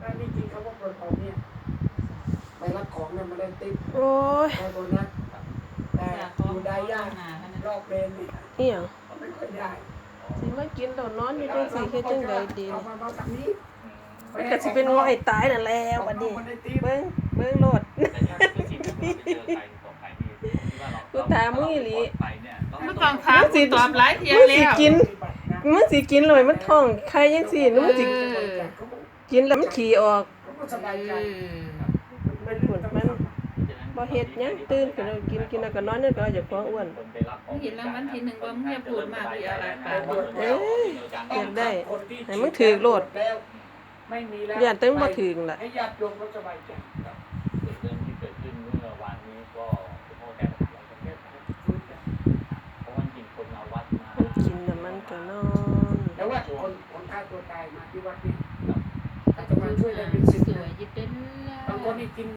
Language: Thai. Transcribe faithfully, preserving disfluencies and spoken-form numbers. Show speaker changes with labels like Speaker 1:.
Speaker 1: ถ้านี่จริงเขาว่าปลดออกเนี่ยไปรับของเนี่ยมันได้ติ๊บ
Speaker 2: โอ้ย
Speaker 1: ได้โบนัสแต่อยู่ได้ยากรอบเลนนี่
Speaker 2: อีหยัง
Speaker 1: ไม่ค่อยได้
Speaker 2: สิมากินตอนนอนอยู่จังซี่เฮ็ดจังไดดี
Speaker 1: เอา
Speaker 2: นี่
Speaker 1: มามาทางนี้
Speaker 2: มันก็สิเป็นง่อยตายนั่นแหละบัดนี้เบิ่งเบิ่งโลด กูถามมึงอีหลี
Speaker 3: ไม่ต้องถามสิตอบหลายเที่ย
Speaker 2: มึง
Speaker 3: แล้
Speaker 2: สิ
Speaker 3: ว
Speaker 2: กินมึงสิกินเลยมันท้องใครจังซี่มึงสิกินแล้วมันขี้ออก
Speaker 1: เขาก็สบายใจ
Speaker 2: มันปวดมันบ่เฮ็ดหยังตื่นขึ้นแล้วกินกินแล้วก็นอนเนี่ยก็อย่าฟ้องอ้วน
Speaker 3: มึงเห็นรางวัลที่หนึ่งว่ามึงอย่าพูดมากเลยอะไรปาก
Speaker 2: เอ้ยอยากได้ให้มึงถือโลด
Speaker 1: แล้วไม่มีแล้ว
Speaker 2: ย่านตึงบ่ถึงล่ะ
Speaker 1: ให้ญาติโยมเขาสบายใจ
Speaker 4: เรื่องที่เกิดขึ้นเมื่อวานนี้ก็คุณพ่อแก้ปัญหาแล้วแก้ปัญหาเพราะว่าจริงคนมาวัดมา
Speaker 2: มันกินแล้วมันก็นอน
Speaker 1: แต่ว่าคนคนฆ่าตัวตายมาที่วัดนี่อาจจะมาช่วยได้เป็นสิบ
Speaker 3: สว
Speaker 1: นะ
Speaker 3: ยยิบเด่น
Speaker 1: บางคนนี่กิน